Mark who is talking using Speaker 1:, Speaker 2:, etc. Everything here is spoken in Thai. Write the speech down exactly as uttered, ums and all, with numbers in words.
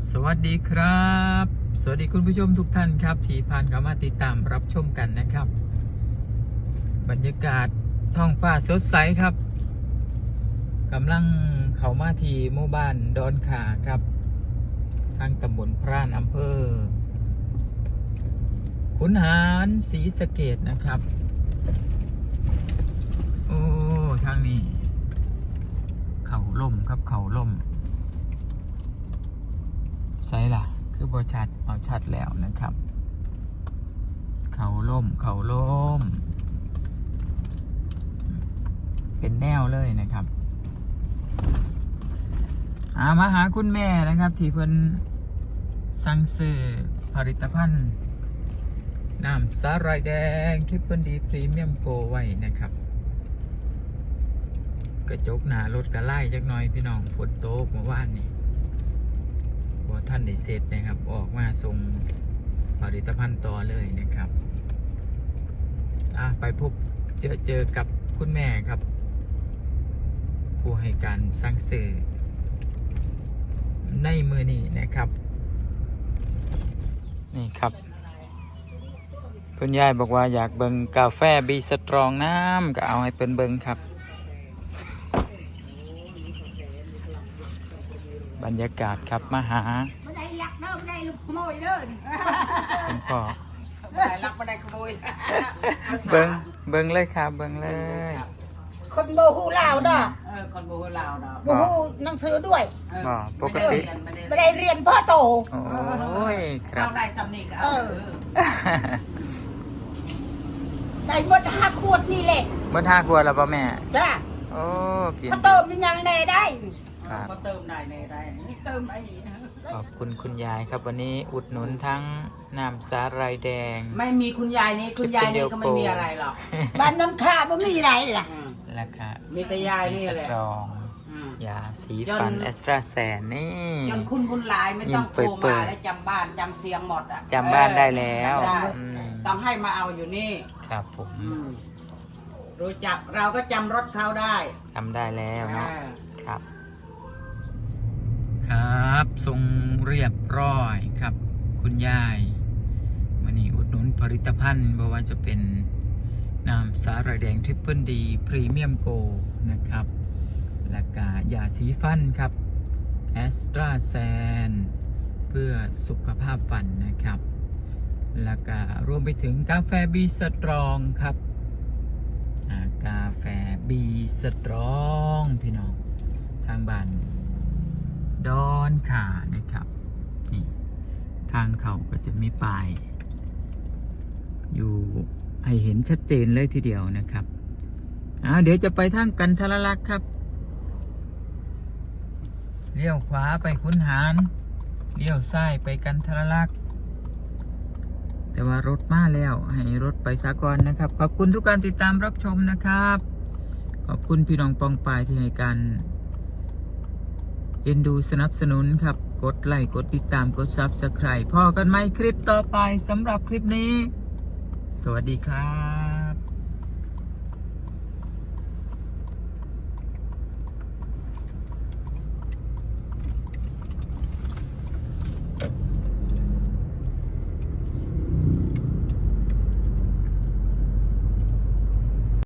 Speaker 1: สวัสดีครับสวัสดีคุณผู้ชมทุกท่านครับที่ผ่านเข้ามาติดตามรับชมกันนะครับบรรยากาศท้องฟ้าสดใสครับกำลังเข้ามาที่หมู่บ้านดอนขาครับทางตำบลพร่านอำเภอขุนหารศรีสะเกษนะครับโอ้ทางนี้เขาล่มครับเขาล่มใช่ล่ะคือบอชัดเอาชัดแล้วนะครับเขาล่มเขาล่มเป็นแนวเลยนะครับอามาหาคุณแม่นะครับที่เพิ่นสั่งซื้อผลิตภัณฑ์น้ำสาหร่ายแดงทริปเปิลดีพรีเมียมโกไว้นะครับกระจกหน้ารถกระไล่จักหน่อยพี่น้องฝนตกเมื่อวานนี่พอท่านได้เสร็จนะครับออกมาส่งผลิตภัณฑ์ต่อเลยนะครับอ่ะไปพบเจอเจอกับคุณแม่ครับผู้ให้การสั่งซื้อในมือนี้นะครับนี่ครับคุณยายบอกว่าอยากเบิ่งกาแฟบีสตรองน้ำก็เอาให้เพิ่นเบิ่งครับบรรยากาศครับมาหา
Speaker 2: ไม่ได้ลักเด้อไม่ได้ลูกขโมยเด้อ
Speaker 1: คุณพ่อ
Speaker 2: ไม่ได้ลักไม่ได้ขโมย
Speaker 1: เบิ่งเบิ่งเลยครับเบิ่งเลย
Speaker 2: คนโบหูลาวเด้อ
Speaker 3: เออคนโบราณเนาะ
Speaker 2: โบหูหนังสือด้วย
Speaker 1: บ่ปกติ
Speaker 2: ไม่ได้เรียนพ่อโต
Speaker 1: โอ้ยครับ
Speaker 3: เราได้สำนีก็เออ
Speaker 2: ได้หมดห้าขวดนี่แหละ
Speaker 1: หมดห้าขวดแล้วป่ะแม่
Speaker 2: จ้า
Speaker 1: โอ้กิน
Speaker 2: พ่อเติมมันยังแน่ได้
Speaker 3: ก็เติมได้ในได้เติมไอ้นี่นะ
Speaker 1: ขอบคุณคุณยายครับวันนี้อุดหนุนทั้งน้ำสาหร่ายแดง
Speaker 3: ไม่มีคุณยายนี่คุณยายนี่ก็ไม่มีอะไรหรอก
Speaker 2: บ้านน้ำข้าไม่มีอะไรล่ะ
Speaker 1: ราคา
Speaker 3: มีแต่ยายนี่แหละ
Speaker 1: สตรองยาสีฟันเอสตราแซนนี่
Speaker 3: จนคุณบุญหลายไม่ต้องโทรมาแล้วจำบ้านจำเสียงหมดอ่ะ
Speaker 1: จำบ้านได้แล้ว
Speaker 3: ต้องให้มาเอาอยู่นี่
Speaker 1: ครับผม
Speaker 3: รู้จักเราก็จำรถเขาได้
Speaker 1: จำได้แล้วเนาะครับครับทรงเรียบร้อยครับคุณยายวันนี้อุดหนุนผลิตภัณฑ์ไม่ว่าจะเป็นน้ำสาหร่ายแดงทริปเปิลดีพรีเมียมโกนะครับและกายาสีฟันครับแอสตราแซนเพื่อสุขภาพฟันนะครับแล้วก็รวมไปถึงกาแฟบีสตรองครับกาแฟบีสตรองพี่น้องทางบ้านดอนขานะครับนี่ทางเขาก็จะมีป้ายอยู่ให้เห็นชัดเจนเลยทีเดียวนะครับอ่าเดี๋ยวจะไปทางกันทรลักษณ์ครับเลี้ยวขวาไปขุนหารเลี้ยวซ้ายไปกันทรลักษณ์แต่ว่ารถมาแล้วให้รถไปสากลนะครับขอบคุณทุกการติดตามรับชมนะครับขอบคุณพี่น้องปองปายที่ให้การเอ็นดูสนับสนุนครับกดไลค์กดติดตามกดซับสไครบ์พอกันไหมคลิปต่อไปสำหรับคลิปนี้สวัสดีครับ